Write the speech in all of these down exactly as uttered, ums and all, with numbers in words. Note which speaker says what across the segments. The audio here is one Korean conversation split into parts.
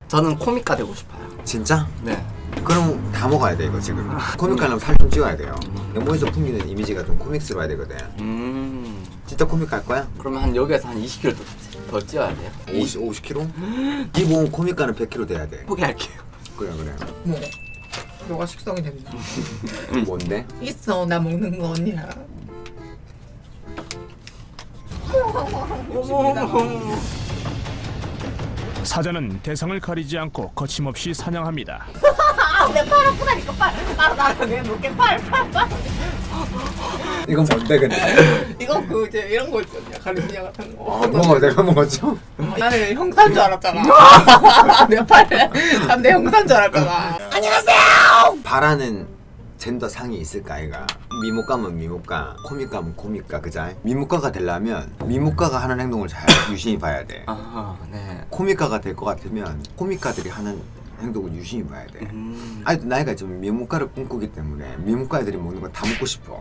Speaker 1: 저는 코믹가 되고 싶어요.
Speaker 2: 진짜?
Speaker 1: 네.
Speaker 2: 그럼 다 먹어야 돼 이거 지금. 코믹 하려면 살 좀 찌워야 돼요. 몸에서 풍기는 이미지가 좀 코믹스러워야 되거든.
Speaker 1: 음.
Speaker 2: 진짜 코믹 갈 거야?
Speaker 1: 그러면 한 여기에서 한 이십 킬로그램 더, 더 찌워야 돼요?
Speaker 2: 오십, 오십 킬로그램? 기본 코믹 가는 백 킬로그램 돼야 돼.
Speaker 1: 포기할게요.
Speaker 2: 그래 그래.
Speaker 3: 뭐 너가 식성이 됩니다.
Speaker 2: 뭔데?
Speaker 3: 있어 나 먹는 거 언니야.
Speaker 4: 사자는 대상을 가리지 않고 거침없이 사냥합니다.
Speaker 3: 내 팔 아프다니까 팔. 팔 나가 내 놓게 팔팔팔.
Speaker 2: 이건 뭔데 근데?
Speaker 3: 이거 그 이제 이런 거 있었냐 가리비냐 같은 거.
Speaker 2: 아 먹어 내가 먹었죠?
Speaker 3: 나는 형사인 줄 알았잖아. 내 팔에 내 형사인 줄 알았잖아.
Speaker 2: 바라는 젠더 상이 있을까 아이가? 미모가면 미모가, 코믹가면 코믹가 그자? 미모가가 되려면 미모가가 하는 행동을 잘 유심히 봐야 돼.
Speaker 1: 아, 네.
Speaker 2: 코믹가가 될 것 같으면 코믹가들이 하는 행동을 유심히 봐야 돼.
Speaker 1: 음.
Speaker 2: 아직도 나이가 좀 미모가를 꿈꾸기 때문에 미모가 애들이 먹는 거 다 먹고 싶어.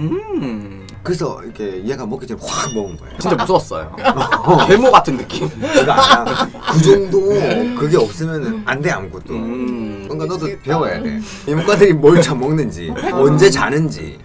Speaker 1: 음.
Speaker 2: 그래서 이렇게 얘가 먹기 전에 확 먹은 거야.
Speaker 1: 진짜 무서웠어요. 괴모 같은 느낌.
Speaker 2: 그거 알아? 그 정도 그게 없으면 안 돼 아무것도.
Speaker 1: 음.
Speaker 2: 그러니까 너도 배워야 돼. 미모가들이 뭘 잘 먹는지, 언제 자는지,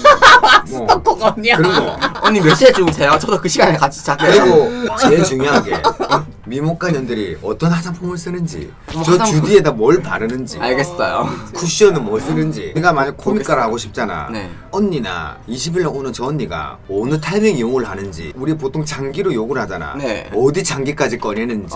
Speaker 2: 뭐
Speaker 3: 스토커가 언니야.
Speaker 2: 그런 거.
Speaker 1: 언니 몇 시에 주무세요? 저도 그 시간에 같이 자게요.
Speaker 2: 그리고 제일 중요한 게 미모가 년들이 어떤 화장품을 쓰는지,
Speaker 1: 뭐
Speaker 2: 저
Speaker 1: 화장품.
Speaker 2: 주디에다 뭘 바르는지,
Speaker 1: 알겠어요.
Speaker 2: 쿠션은 뭐 쓰는지. 내가 만약 코믹가를 하고 싶잖아.
Speaker 1: 네.
Speaker 2: 언니나 이십 일날 오는 저 언니가 어느 타이밍에 욕을 하는지. 우리 보통 장기로 욕을 하잖아.
Speaker 1: 네.
Speaker 2: 어디 장기까지 꺼내는지.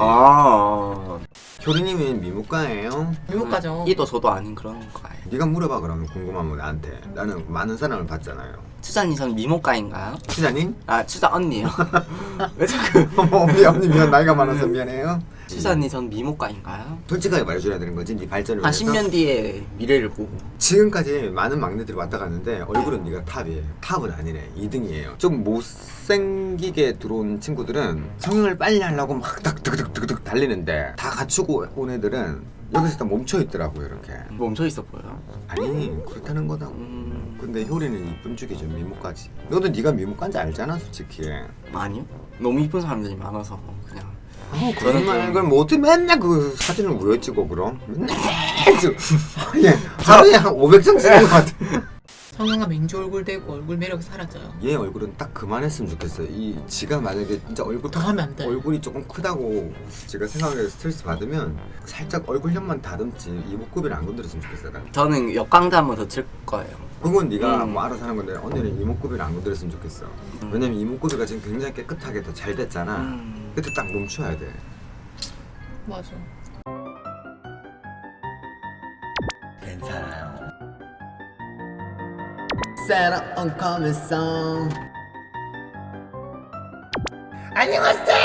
Speaker 1: 아.
Speaker 2: 효리님은 미모가예요?
Speaker 3: 미국가죠.
Speaker 1: 이도 저도 아닌 그런 거예요.
Speaker 2: 네가 물어봐 그러면 궁금하면 나한테. 나는 많은 사람을 봤잖아요.
Speaker 1: 추자님 전 미모가인가요?
Speaker 2: 추자님?
Speaker 1: 아 추자 언니요. 왜 자꾸?
Speaker 2: 어머 언니 언니 미안 나이가 많아서 미안해요.
Speaker 1: 추자님 전 미모가인가요?
Speaker 2: 솔직하게 말해줘야 되는 거지 네 발전을
Speaker 1: 한
Speaker 2: 위해서?
Speaker 1: 십 년 뒤에 미래를 보고.
Speaker 2: 지금까지 많은 막내들이 왔다 갔는데 얼굴은 네가 탑이에요. 탑은 아니네. 이 등이에요. 좀 못생기게 들어온 친구들은 성형을 빨리 하려고 막 득득득득득 달리는데 다 갖추고 온 애들은 여기서 다 멈춰 있더라고요 이렇게.
Speaker 1: 멈춰 있어 보여요.
Speaker 2: 아니 그렇다는 거다.
Speaker 1: 음.
Speaker 2: 근데 효리는 이쁜 쪽이 좀 미모까지. 너도 네가 미모까지 알잖아 솔직히.
Speaker 1: 아니요. 너무 이쁜 사람들이 많아서 그냥.
Speaker 2: 어, 그런 말 그럼 뭐 어떻게 맨날 그 사진을 왜 찍어 그럼? 맨날 찍어. 예, 하루에 한 오백 장 찍는 것 같아.
Speaker 3: 성형하면 민주 얼굴 되고 얼굴 매력이 사라져요.
Speaker 2: 얘 얼굴은 딱 그만했으면 좋겠어. 이 지가 만약에 진짜 얼굴
Speaker 3: 더 하면 안 돼.
Speaker 2: 얼굴이 조금 크다고 제가 생각해서 스트레스 받으면 살짝 얼굴형만 다듬지 이목구비를 안 건드렸으면 좋겠어. 난.
Speaker 1: 저는 역광대 한 번 더 칠 거예요.
Speaker 2: 그건 네가
Speaker 1: 음.
Speaker 2: 뭐 알아서 하는 건데 언니는 이목구비를 안 건드렸으면 좋겠어.
Speaker 1: 음.
Speaker 2: 왜냐면 이목구비가 지금 굉장히 깨끗하게 더 잘 됐잖아.
Speaker 1: 음.
Speaker 2: 그때 딱 멈춰야 돼.
Speaker 3: 맞아.
Speaker 2: 괜찮아요. 새로운 커뮤니성. 안녕하세요.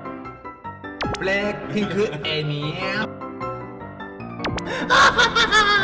Speaker 2: 블랙핑크 애니에요.